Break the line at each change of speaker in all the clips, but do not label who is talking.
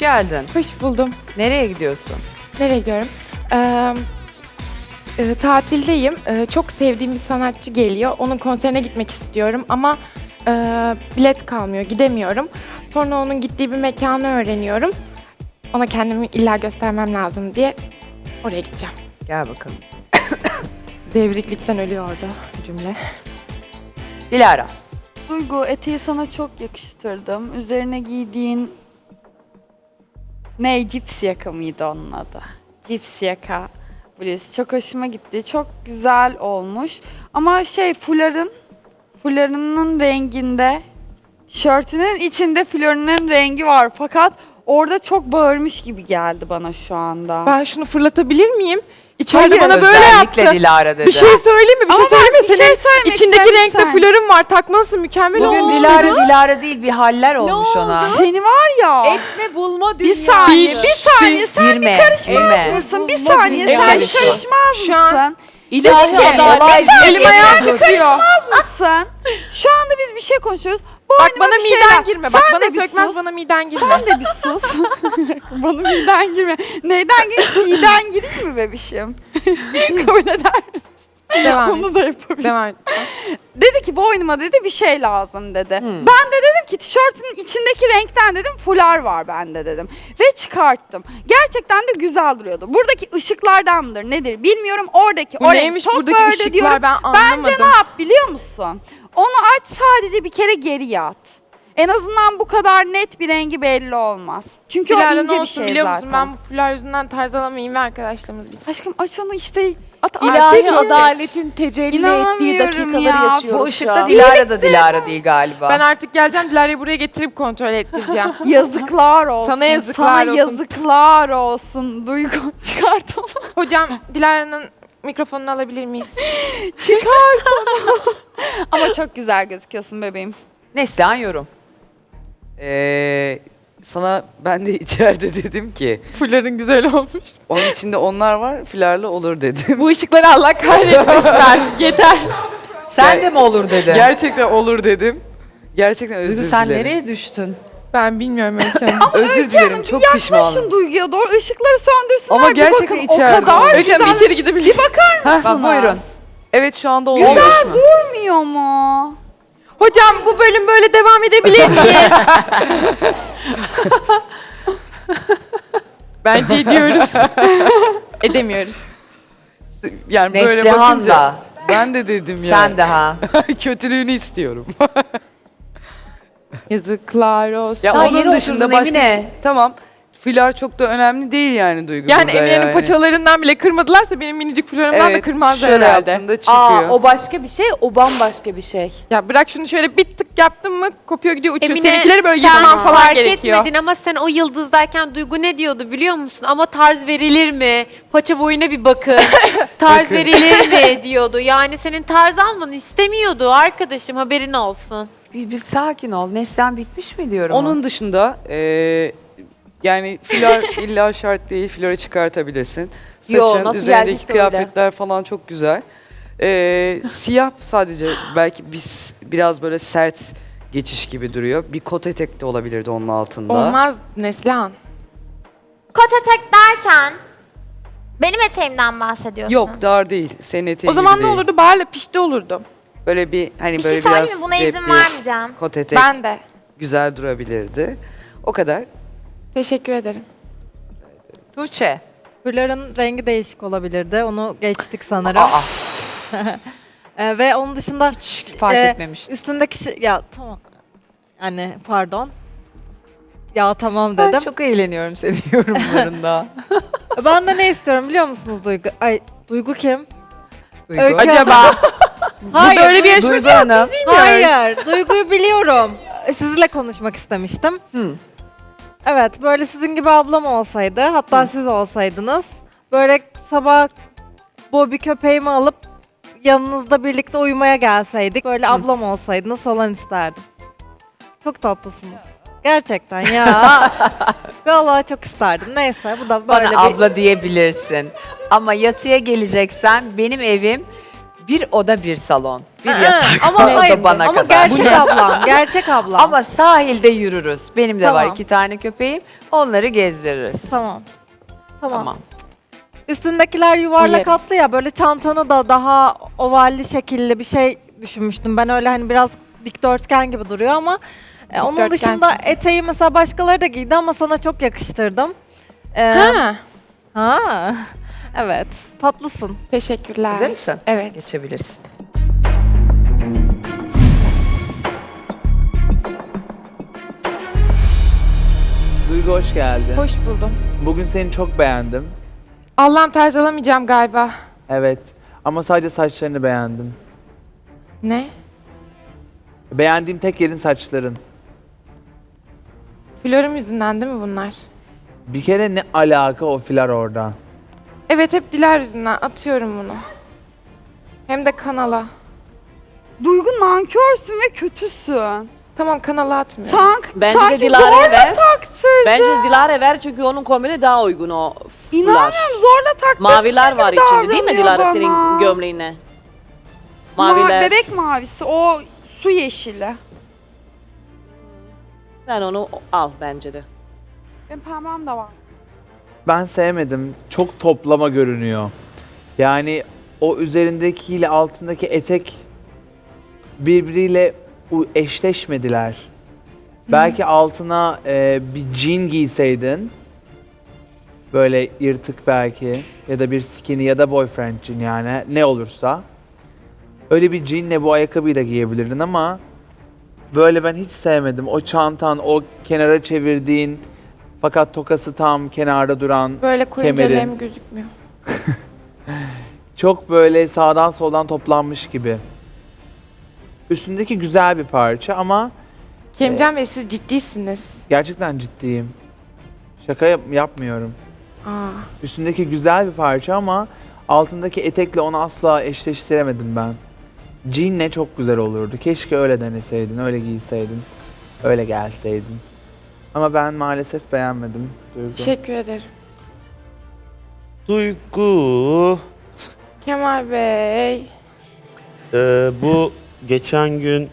geldin.
Hoş buldum.
Nereye gidiyorsun?
Nereye gidiyorum? Tatildeyim. Çok sevdiğim bir sanatçı geliyor. Onun konserine gitmek istiyorum ama bilet kalmıyor, gidemiyorum. Sonra onun gittiği bir mekanı öğreniyorum. Ona kendimi illa göstermem lazım diye oraya gideceğim.
Gel bakalım.
Devriklikten ölüyor orada cümle.
Dilara.
Duygu, eteği sana çok yakıştırdım. Üzerine giydiğin ne? Cips yaka mıydı onun adı? Cips yaka bluz. Çok hoşuma gitti. Çok güzel olmuş. Ama fularının renginde, tişörtünün içinde florunun rengi var. Fakat orada çok bağırmış gibi geldi bana şu anda.
Ben şunu fırlatabilir miyim? İçeride
Hayır,
bana böyle
Özellikle
yaptı.
Dilara dedi.
Bir şey söyleyeyim mi? Bir
Ama
şey söyleyeyim mi?
ben bir şey
Senin
söylemek
içindeki
isterim
renkte
sen.
flörün var. Takmalısın, mükemmel
Bugün
olmuş.
Dilara değil bir haller olmuş ona.
Seni var ya.
Etme bulma
Bir
dünyası.
saniye sen
Girme,
karışmaz
girme.
mısın? Bir
Bulma
saniye sen
dünyası.
bir karışmaz
Şu an-
mısın?
İlahi
Dedi ki,
adalet.
bir saniye,
Elim ayağım
sen bir
titriyor.
karışmaz mısın? Şu anda biz bir şey konuşuyoruz.
Bak
Boynuma
bana
bir
miden
şeyler-
girme.
Sen
Bak bana
de bir
sökmez,
sus.
bana miden girme.
Sen de bir sus. Bana miden girme. Neyden gireyim? Siden gireyim mi bebişim? Kabul eder misin?
Devam et.
Onu da yapabilirim.
Devam et.
Dedi ki boynuma dedi bir şey lazım dedi. Ben de dedim ki tişörtünün içindeki renkten dedim fular var bende dedim. Ve çıkarttım. Gerçekten de güzel duruyordu. Buradaki ışıklardan mıdır nedir bilmiyorum. Oradaki
Bu
o renk
neymiş
çok
buradaki
böyle
ışıklar
diyorum.
ben anlamadım.
Bence ne yap biliyor musun? Onu aç sadece bir kere geriye at. En azından bu kadar net bir rengi belli olmaz. Çünkü o
Dilara
ince
ne
bir
olsun
şey
biliyor
zaten.
musun? Ben bu fular yüzünden tarz alamayayım ve arkadaşlarımız biz.
Aşkım aç onu işte at.
İlahi
Artık yok.
adaletin tecelli ettiği
İnanamıyorum
dakikaları
ya.
yaşıyoruz
Bu
şu
ışıkta
an.
Dilara da Dilara değil galiba.
Ben artık geleceğim, Dilara'yı buraya getirip kontrol ettireceğim.
Yazıklar olsun.
Sana yazıklar
Sana
olsun.
yazıklar olsun. Duygu çıkart onu.
Hocam Dilara'nın mikrofonunu alabilir miyiz?
Çıkart onu. Ama çok güzel gözüküyorsun bebeğim.
Neslihan yorum.
Sana ben de içeride dedim ki
Fuların güzel olmuş.
onun içinde onlar var filarlı olur dedim.
Bu ışıkları Allah kahretmesin artık. Yeter.
Sen de mi olur dedi.
Gerçekten olur dedim. Gerçekten özür
Duygu sen
dilerim.
nereye düştün?
Ben bilmiyorum Öykü Hanım.
Özür dilerim çok
Yaklaşın
pişmanım.
Duyguya doğru ışıkları söndürsünler.
Ama
bir
gerçekten
bakın. O
içeride
kadar
oldu.
Öykü Hanım bir içeri gidebilir. Bir bakar
Bak buyurun.
Evet şu anda
Olmuş
oluyor.
mu?
durmuyor mu?
Hocam bu bölüm böyle devam edebilir miyiz? Bence ediyoruz. Edemiyoruz.
Yani böyle
Neslihan
bakınca
da.
ben de dedim ya.
Sen de ha.
Kötülüğünü istiyorum.
Yazıklar olsun.
Daha
Onun
yeni
dışında
oturdun
başka bir
Emine.
şey. Tamam. Filar çok da önemli değil yani Duygu
Yani
burada
Emine'nin
yani.
paçalarından bile kırmadılarsa benim minicik flörümden de
Evet,
kırmazlar
şöyle
herhalde.
yaptığında çıkıyor.
Aa, o başka bir şey, o bambaşka bir şey.
Ya bırak şunu şöyle bir tık yaptın mı kopuyor gidiyor uçuyor.
Emine,
Seninkileri böyle
sen
yırtman falan
fark
gerekiyor.
etmedin ama sen o yıldızdayken Duygu ne diyordu biliyor musun? Ama tarz verilir mi? Paça boyuna bir bakın. Tarz verilir mi diyordu. Yani senin tarz almanı istemiyordu arkadaşım, haberin olsun.
Bir sakin ol. Neslihan bitmiş mi diyorum.
Onun dışında yani filar illa şart değil. Fiları çıkartabilirsin.
Yo,
Saçın,
nasıl
üzerindeki
geldiyse öyle.
kıyafetler falan çok güzel. Siyah sadece belki biraz böyle sert geçiş gibi duruyor. Bir kot etek de olabilirdi onun altında.
Olmaz Neslihan.
Kot etek derken benim eteğimden bahsediyorsun.
Yok dar değil. Senin eteğin
O zaman
gibi
ne
değil.
olurdu? Bağırla pişti olurdu.
Böyle bir hani
Bir
böyle
şey söyleyeyim
biraz
mi? Buna izin
repli
vermeyeceğim.
kot etek
Ben de.
güzel durabilirdi. O kadar.
Teşekkür ederim.
Tuğçe.
Fuların rengi değişik olabilirdi. Onu geçtik sanırım.
Aa,
Ve onun dışında
fark
e,
etmemiştim.
üstündeki ya tamam. Yani pardon. Ya tamam
Ben
dedim.
çok eğleniyorum senin yorumlarında.
Ben de ne istiyorum biliyor musunuz Duygu? Ay Duygu kim?
Duygu.
Öykü
Acaba
Hayır.
böyle bir yarışma
Duygu Hanım.
Hayır. Duygu'yu biliyorum. Sizinle konuşmak istemiştim.
Hı.
Evet, böyle sizin gibi ablam olsaydı, hatta siz olsaydınız, böyle sabah Bobby köpeğimi alıp yanınızda birlikte uyumaya gelseydik, böyle ablam olsaydınız falan isterdim. Çok tatlısınız. Gerçekten ya. Vallahi çok isterdim. Neyse, bu da böyle
Bana abla diyebilirsin. Ama yatıya geleceksen benim evim Bir oda bir salon. Bir yatak
Ama
olsa
hayır,
bana
ama
kadar.
gerçek ablam, gerçek ablam.
Ama sahilde yürürüz. Benim de var
Tamam.
2 tane köpeğim. Onları gezdiririz.
Tamam.
Tamam.
Üstündekiler yuvarlak
Uyarım.
hatlı ya, böyle çantanı da daha ovalli şekilli bir şey düşünmüştüm. Ben öyle hani biraz dikdörtgen gibi duruyor ama onun
Dikdörtgen.
dışında eteği mesela başkaları da giydi ama sana çok yakıştırdım.
Ha,
Ha. Evet, tatlısın.
teşekkürler.
Hazır mısın?
Evet.
Geçebilirsin.
Duygu hoş geldin.
Hoş buldum.
Bugün seni çok beğendim.
Allah'ım tarz alamayacağım galiba.
Evet. Ama sadece saçlarını beğendim.
Ne?
Beğendiğim tek yerin saçların.
Flörüm yüzünden değil mi bunlar?
Bir kere ne alaka o filar orada?
Evet, hep Dilar yüzünden atıyorum bunu. Hem de kanala.
Duygu nankörsün ve kötüsün.
Tamam, kanala atmıyorum.
Bence
Sanki
de Dilara'ya
zorla
ver.
taktırdın.
Bence de Dilara'ya ver çünkü onun kombini daha uygun o fular.
İnanmıyorum, zorla taktırdın.
Maviler var içinde değil mi Dilara
bana.
senin gömleğine? Maviler.
Bebek mavisi, o su yeşili.
Sen onu al bence de.
Benim pembem de var.
Ben sevmedim. Çok toplama görünüyor. Yani o üzerindekiyle altındaki etek birbiriyle eşleşmediler. Belki altına bir jean giyseydin, böyle yırtık belki, ya da bir skinny ya da boyfriend jean, yani ne olursa. Öyle bir jeanle bu ayakkabıyı da giyebilirdin ama böyle ben hiç sevmedim. O çantan, o kenara çevirdiğin fakat tokası tam kenarda duran,
Böyle koyunca
kemerin.
lem gözükmüyor.
çok böyle sağdan soldan toplanmış gibi. Üstündeki güzel bir parça ama
Kerimcan Bey, siz ciddisiniz.
gerçekten ciddiyim. Şaka yapmıyorum.
Aa.
Üstündeki güzel bir parça ama altındaki etekle onu asla eşleştiremedim ben. Jean'le çok güzel olurdu. Keşke öyle deneseydin, öyle giyseydin, öyle gelseydin. Ama ben maalesef beğenmedim. Duygu.
Teşekkür ederim.
Duygu,
Kemal Bey.
bu geçen gün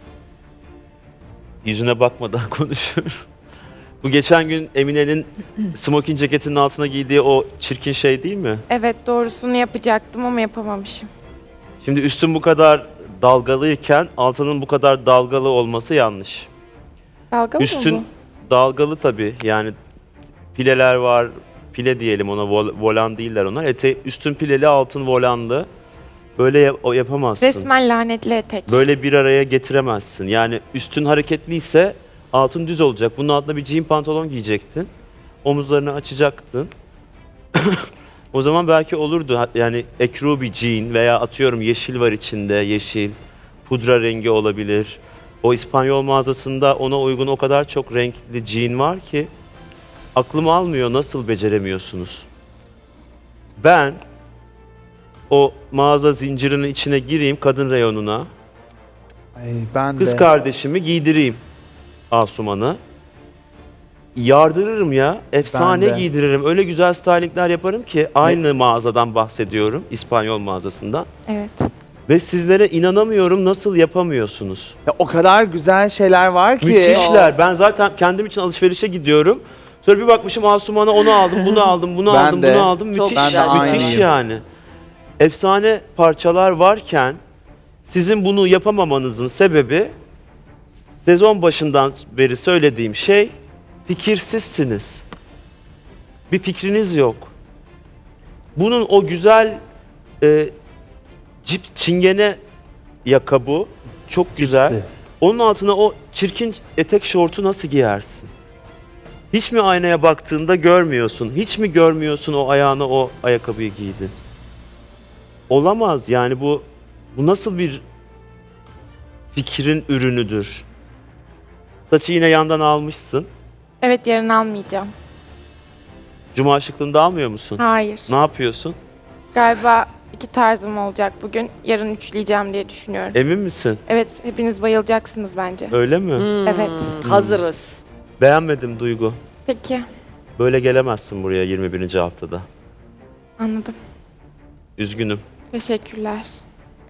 yüzüne bakmadan konuşuyorum. Bu geçen gün Emine'nin smoking ceketinin altına giydiği o çirkin şey değil mi?
Evet, doğrusunu yapacaktım ama yapamamışım.
Şimdi üstün bu kadar dalgalıyken altının bu kadar dalgalı olması yanlış.
Dalgalı
Üstün
mı
dalgalı tabii, yani pileler var, pile diyelim ona, volan değiller onlar. Üstün pileli, altın volanlı. Böyle o
bu?
yapamazsın.
Resmen lanetli etek.
Böyle bir araya getiremezsin. Yani üstün hareketliyse altın düz olacak. Bunun altına bir jean pantolon giyecektin. Omuzlarını açacaktın. O zaman belki olurdu. Yani ekru bir jean veya atıyorum yeşil var içinde, yeşil. Pudra rengi olabilir. O İspanyol mağazasında ona uygun o kadar çok renkli jean var ki aklım almıyor, nasıl beceremiyorsunuz? Ben o mağaza zincirinin içine gireyim, kadın reyonuna.
Ay, ben
Kız
de.
kardeşimi giydireyim Asuman'ı. Yardırırım ya. Efsane
Ben de.
giydiririm. Öyle güzel stylingler yaparım ki aynı mağazadan bahsediyorum. İspanyol mağazasından.
Evet.
Ve sizlere inanamıyorum, nasıl yapamıyorsunuz.
Ya, o kadar güzel şeyler var ki.
Müthişler. Ben zaten kendim için alışverişe gidiyorum. Sonra bir bakmışım Asuman'a onu aldım, bunu aldım, bunu
Ben
aldım,
de.
bunu aldım.
Çok
Müthiş,
güzel.
Ben de
müthiş
aynıyım.
yani. Efsane parçalar varken sizin bunu yapamamanızın sebebi sezon başından beri söylediğim şey, fikirsizsiniz. Bir fikriniz yok. Bunun o güzel cip çingene yakabu çok güzel.
Cipsi.
Onun altına o çirkin etek şortu nasıl giyersin? Hiç mi aynaya baktığında görmüyorsun? Hiç mi görmüyorsun o ayağına o ayakkabıyı giydin? Olamaz yani, bu nasıl bir fikrin ürünüdür? Saçı yine yandan almışsın.
Evet, yarın almayacağım.
Cuma şıklığında almıyor musun?
Hayır.
Ne yapıyorsun?
Galiba 2 tarzım olacak bugün. Yarın üçleyeceğim diye düşünüyorum.
Emin misin?
Evet, hepiniz bayılacaksınız bence.
Öyle mi?
Evet.
Hazırız.
Beğenmedim Duygu.
Peki,
Böyle gelemezsin buraya 21. haftada.
anladım.
Üzgünüm.
Teşekkürler.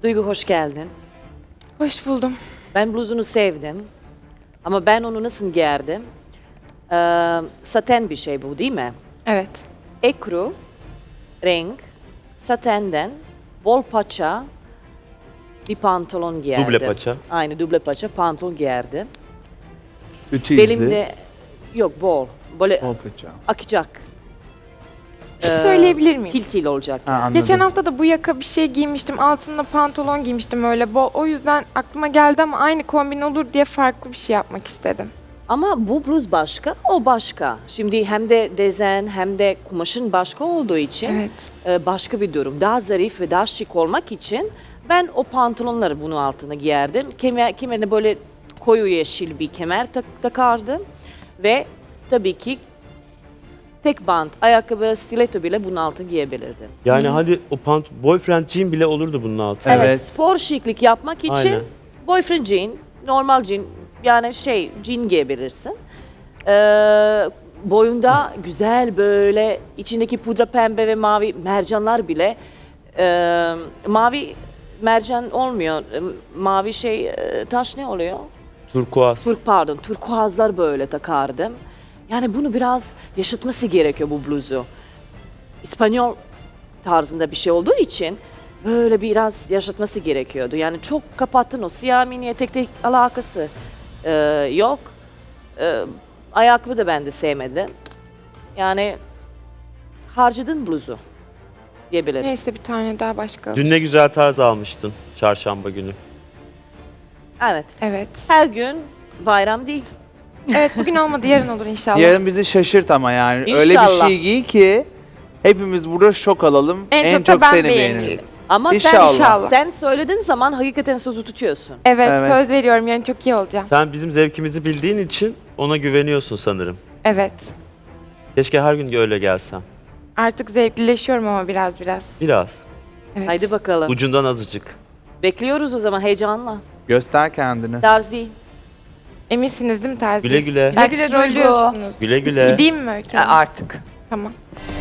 Duygu hoş geldin.
Hoş buldum.
Ben bluzunu sevdim. Ama ben onu nasıl giyerdim? Saten bir şey bu değil mi?
Evet.
Ekru, renk, satenden, bol paça bir pantolon giyerdim.
Duble paça.
Aynı duble paça pantolon giyerdim.
Ütü
Belimde yok bol. Böyle
Bol paça.
akacak.
Bir şey söyleyebilir miyim?
Til olacak.
Ha,
yani.
anladım.
Geçen hafta da bu yaka bir şey giymiştim. Altında pantolon giymiştim öyle bol. O yüzden aklıma geldi ama aynı kombin olur diye farklı bir şey yapmak istedim.
Ama bu bluz başka, o başka. Şimdi hem de dezen hem de kumaşın başka olduğu için
Evet.
başka bir durum. Daha zarif ve daha şık olmak için ben o pantolonları bunun altına giyerdim. Kemerine böyle koyu yeşil bir kemer takardım. Ve tabii ki tek bant, ayakkabı, stiletto bile bunun altına giyebilirdim.
Yani hadi o boyfriend jean bile olurdu bunun altına.
Evet.
Spor şıklık yapmak için
Aynen.
boyfriend jean, normal jean, yani jean giyebilirsin. Boyunda güzel böyle içindeki pudra pembe ve mavi mercanlar bile mavi mercan olmuyor. Mavi taş ne oluyor?
Turkuaz.
Turkuazlar böyle takardım. Yani bunu biraz yaşatması gerekiyor bu bluzu. İspanyol tarzında bir şey olduğu için böyle biraz yaşatması gerekiyordu. Yani çok kapattın, o siyah mini etekte alakası yok. Ayakkabı da ben de sevmedim. Yani harcadın bluzu diyebilirim.
Neyse bir tane daha başka.
Dün ne güzel tarz almıştın çarşamba günü.
Evet.
Evet.
Her gün bayram değil.
Evet bugün olmadı yarın olur inşallah.
Yarın bizi şaşırt ama yani. Öyle bir
İnşallah.
şey giy ki hepimiz burada şok alalım.
En çok da ben
seni
beğenirim.
beğenelim.
Ama
İnşallah.
sen söylediğin zaman hakikaten sözü tutuyorsun.
Evet,
Evet.
söz veriyorum yani çok iyi olacağım.
Sen bizim zevkimizi bildiğin için ona güveniyorsun sanırım.
Evet.
Keşke her gün öyle gelsen.
Artık zevklileşiyorum ama biraz.
Biraz.
Evet.
Haydi bakalım.
Ucundan azıcık.
Bekliyoruz o zaman heyecanla.
Göster kendini.
Tarz değil.
Eminsiniz değil mi Terzi?
Güle güle.
Belki
Güle güle Duygu.
trollüyorsunuz.
Güle güle.
Gideyim mi Öykü Hanım?
Artık.
Tamam.